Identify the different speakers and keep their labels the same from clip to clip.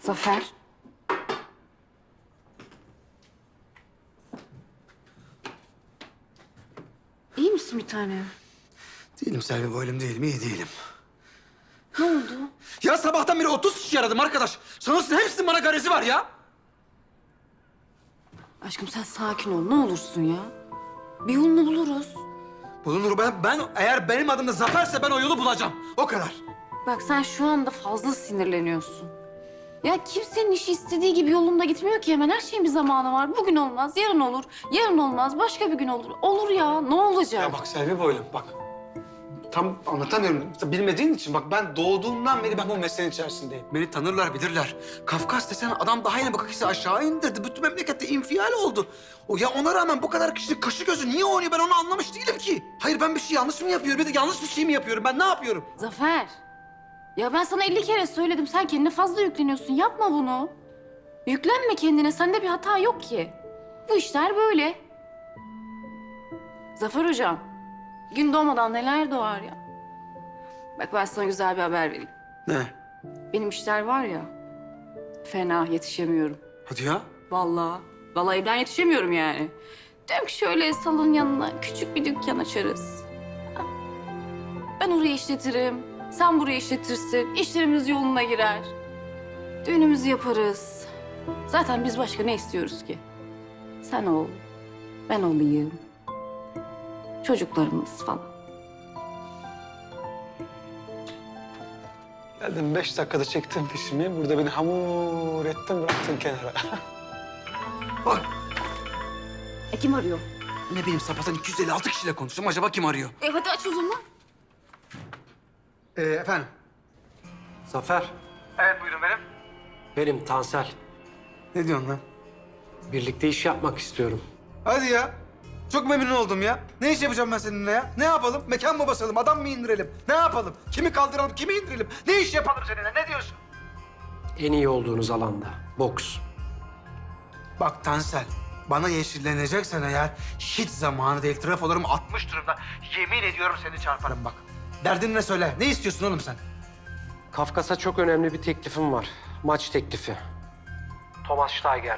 Speaker 1: Zafer. İyi misin bir tane?
Speaker 2: Değilim Selvi, boylum değilim, iyi değilim.
Speaker 1: Ne oldu?
Speaker 2: Ya sabahtan beri 30 kişi aradım arkadaş. Sanırsın hepsinin bana garezi var ya.
Speaker 1: Aşkım sen sakin ol ne olursun ya. Bir yolunu buluruz.
Speaker 2: Bulunur, ben eğer benim adımda Zafer'se ben o yolu bulacağım. O kadar.
Speaker 1: Bak sen şu anda fazla sinirleniyorsun. Ya kimsenin işi istediği gibi yolunda gitmiyor ki hemen. Her şeyin bir zamanı var. Bugün olmaz, yarın olur. Yarın olmaz, başka bir gün olur. Olur ya, ne olacak?
Speaker 2: Ya bak Selvi boylum, bak. Tam anlatamıyorum. Bilmediğin için bak, ben doğduğumdan beri ben bu mesleğin içerisindeyim. Beni tanırlar, bilirler. Kafkas desen adam daha yeni bakak kişi aşağı indirdi. Bütün memlekette infial oldu. Ya ona rağmen bu kadar kişinin kaşı gözü niye oynuyor, ben onu anlamış değilim ki. Hayır, ben bir şey yanlış mı yapıyorum? Bir de yanlış bir şey mi yapıyorum? Ben ne yapıyorum?
Speaker 1: Zafer, ya ben sana 50 kere söyledim. Sen kendine fazla yükleniyorsun. Yapma bunu. Yüklenme kendine. Sende bir hata yok ki. Bu işler böyle. Zafer hocam, gün doğmadan neler doğar ya. Bak ben sana güzel bir haber vereyim.
Speaker 2: Ne?
Speaker 1: Benim işler var ya, fena yetişemiyorum.
Speaker 2: Hadi ya.
Speaker 1: Vallahi evden yetişemiyorum yani. Diyorum ki şöyle salon yanına küçük bir dükkan açarız. Ben orayı işletirim, sen burayı işletirsin. İşlerimiz yoluna girer. Düğünümüzü yaparız. Zaten biz başka ne istiyoruz ki? Sen ol, ben olayım. Çocuklarımız falan.
Speaker 2: Geldim 5 dakikada çektim fişimi. Burada beni hamur ettin, bıraktın kenara. Bak.
Speaker 1: Kim arıyor?
Speaker 2: Ne bileyim, sabahtan 256 kişiyle konuştum. Acaba kim arıyor?
Speaker 1: Hadi aç o zaman.
Speaker 2: Efendim?
Speaker 3: Zafer,
Speaker 2: Evet, buyurun benim.
Speaker 3: benim Tansel.
Speaker 2: Ne diyorsun lan?
Speaker 3: Birlikte iş yapmak istiyorum.
Speaker 2: Hadi ya. Çok memnun oldum ya. Ne iş yapacağım ben seninle ya? Ne yapalım? Mekan mı basalım? Adam mı indirelim? Ne yapalım? Kimi kaldıralım? Kimi indirelim? Ne iş yapalım seninle? Ne diyorsun?
Speaker 3: En iyi olduğunuz alanda, boks.
Speaker 2: Bak Tansel, bana yeşilleneceksen eğer hiç zamanı değil. Trafolarım 60 durumda. Yemin ediyorum seni çarparım bak. Derdin ne söyle? Ne istiyorsun oğlum sen?
Speaker 3: Kafkas'a çok önemli bir teklifim var. Maç teklifi. Thomas Steiger'le.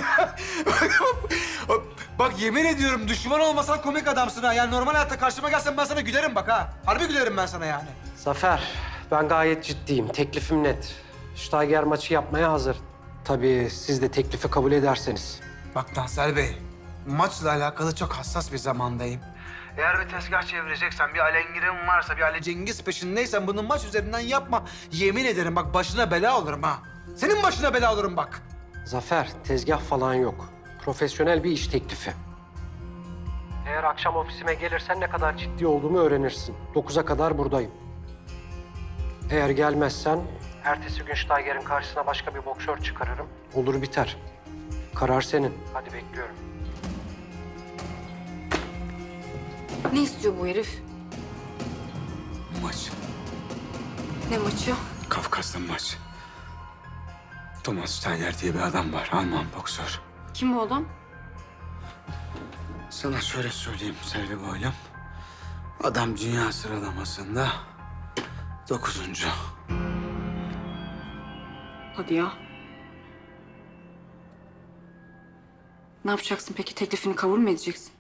Speaker 2: Bak yemin ediyorum düşman olmasan komik adamsın ha. Yani normal hayatta karşıma gelsen ben sana gülerim bak ha. Harbi gülerim ben sana yani.
Speaker 3: Zafer, ben gayet ciddiyim. Teklifim net. Steiger maçı yapmaya hazır. Tabii siz de teklifi kabul ederseniz.
Speaker 2: Bak Tansel Bey, maçla alakalı çok hassas bir zamandayım. Eğer bir tezgah çevireceksen, bir alengirin varsa, bir Ali Cengiz peşindeysen bunu maç üzerinden yapma. Yemin ederim bak başına bela olurum ha. Senin başına bela olurum bak.
Speaker 3: Zafer, tezgah falan yok. Profesyonel bir iş teklifi. Eğer akşam ofisime gelirsen ne kadar ciddi olduğumu öğrenirsin. 9'a kadar buradayım. Eğer gelmezsen ertesi gün Steiger'in karşısına başka bir boksör çıkarırım. Olur biter. Karar senin. Hadi bekliyorum.
Speaker 1: Ne istiyor bu herif?
Speaker 2: Maç.
Speaker 1: Ne maçı?
Speaker 2: Kafkas'ta maç. Thomas Steiner diye bir adam var, Alman boksör.
Speaker 1: Kim bu adam?
Speaker 2: Sana şöyle söyleyeyim Selvi boylum. Adam dünya sıralamasında 9.
Speaker 1: Hadi ya. Ne yapacaksın peki? Teklifini kabul mü edeceksin?